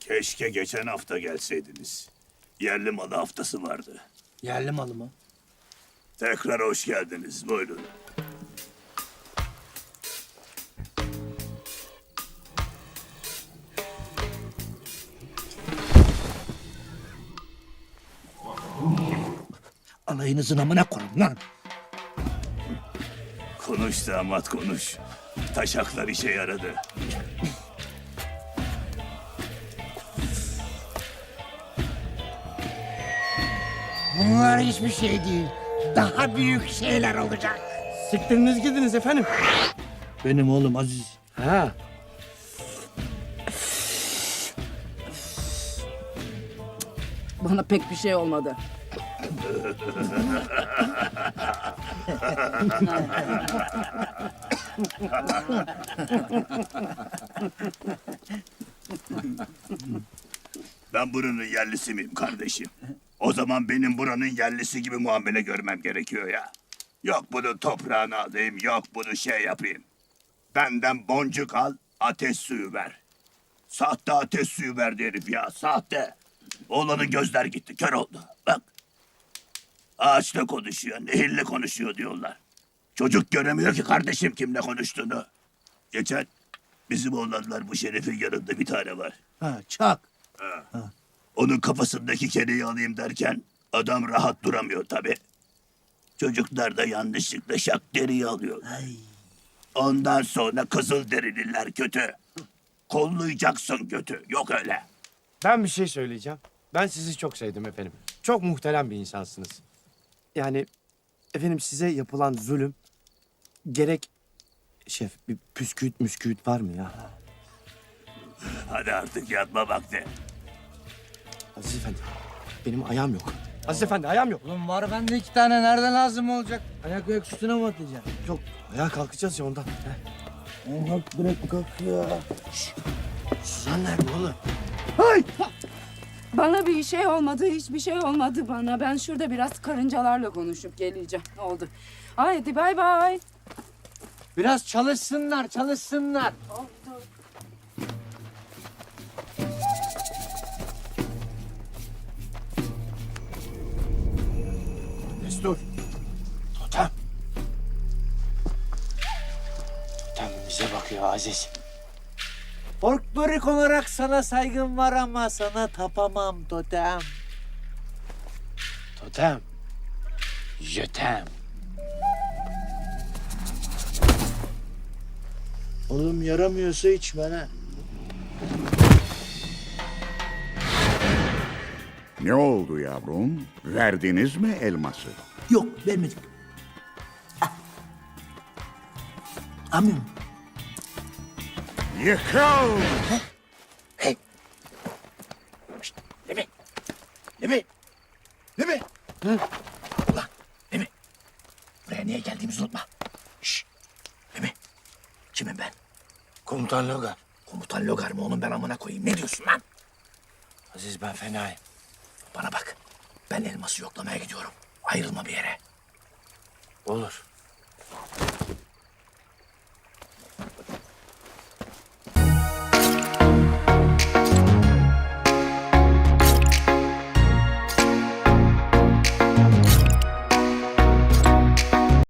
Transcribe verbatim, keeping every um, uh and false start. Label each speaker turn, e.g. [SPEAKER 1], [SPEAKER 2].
[SPEAKER 1] Keşke geçen hafta gelseydiniz. Yerli malı haftası vardı.
[SPEAKER 2] Yerli malı mı?
[SPEAKER 1] Tekrar hoş geldiniz. Buyurun.
[SPEAKER 2] Alayınızın amına koyun lan.
[SPEAKER 1] Konuş damat konuş. Taşaklar işe yaradı.
[SPEAKER 2] Bunlar hiçbir şey değil. Daha büyük şeyler olacak.
[SPEAKER 3] Siktiriniz gidiniz efendim.
[SPEAKER 2] Benim oğlum Aziz.
[SPEAKER 3] Ha.
[SPEAKER 4] Bana pek bir şey olmadı.
[SPEAKER 1] Ben buranın yerlisi miyim kardeşim? O zaman benim buranın yerlisi gibi muamele görmem gerekiyor ya. Yok bunu toprağına alayım, yok bunu şey yapayım. Benden boncuk al, ateş suyu ver. Sahte ateş suyu verdi herif ya, sahte. Oğlanın gözler gitti, kör oldu. Bak. Ağaçla konuşuyor, nehirle konuşuyor diyorlar. Çocuk göremiyor ki kardeşim kimle konuştuğunu. Geçen bizim oğlanlar bu şerefin yanında bir tane var.
[SPEAKER 2] Ha, çak.
[SPEAKER 1] Onun kafasındaki kereyi alayım derken adam rahat duramıyor tabii. Çocuklar da yanlışlıkla şak deriyi alıyor.
[SPEAKER 2] Ay.
[SPEAKER 1] Ondan sonra kızıl derililer kötü. Kollayacaksın kötü. Yok öyle.
[SPEAKER 3] Ben bir şey söyleyeceğim. Ben sizi çok sevdim efendim. Çok muhterem bir insansınız. Yani efendim size yapılan zulüm gerek... Şef bir püsküüt müsküüt var mı ya?
[SPEAKER 1] Hadi artık yatma vakti.
[SPEAKER 3] Aziz Efendi benim ayağım yok. Aziz Efendi ayağım yok.
[SPEAKER 2] Oğlum var bende iki tane. Nereden lazım olacak? Ayak ayak üstüne mi atacaksın?
[SPEAKER 3] Yok ayağa kalkacağız ya ondan. Heh.
[SPEAKER 2] Oğlum kalk bırak kalk ya.
[SPEAKER 3] Suzan nerede oğlum?
[SPEAKER 4] Bana bir şey olmadı, hiçbir şey olmadı bana. Ben şurada biraz karıncalarla konuşup geleceğim. Oldu. Haydi bay bay.
[SPEAKER 2] Biraz çalışsınlar çalışsınlar.
[SPEAKER 3] Destur. Totem. Totem bize bakıyor Aziz.
[SPEAKER 5] Folklorik olarak sana saygım var ama sana tapamam totem.
[SPEAKER 3] Totem. Jötem.
[SPEAKER 2] Oğlum yaramıyorsa içme ha.
[SPEAKER 6] Ne oldu yavrum? Verdiniz mi elması?
[SPEAKER 2] Yok vermedik. Ah. Amim.
[SPEAKER 6] Yıkıl!
[SPEAKER 2] Hey. Şşt, Lemi. Lemi. Lemi. Hı? Ulan Lemi. Buraya niye geldiğimizi unutma. Şşt. Lemi. Kimim ben?
[SPEAKER 3] Komutan Logar.
[SPEAKER 2] Komutan Logar mı onun ben amına koyayım? Ne diyorsun lan?
[SPEAKER 3] Aziz ben fenayım.
[SPEAKER 2] Bana bak. Ben elması yoklamaya gidiyorum. Ayrılma bir yere.
[SPEAKER 3] Olur.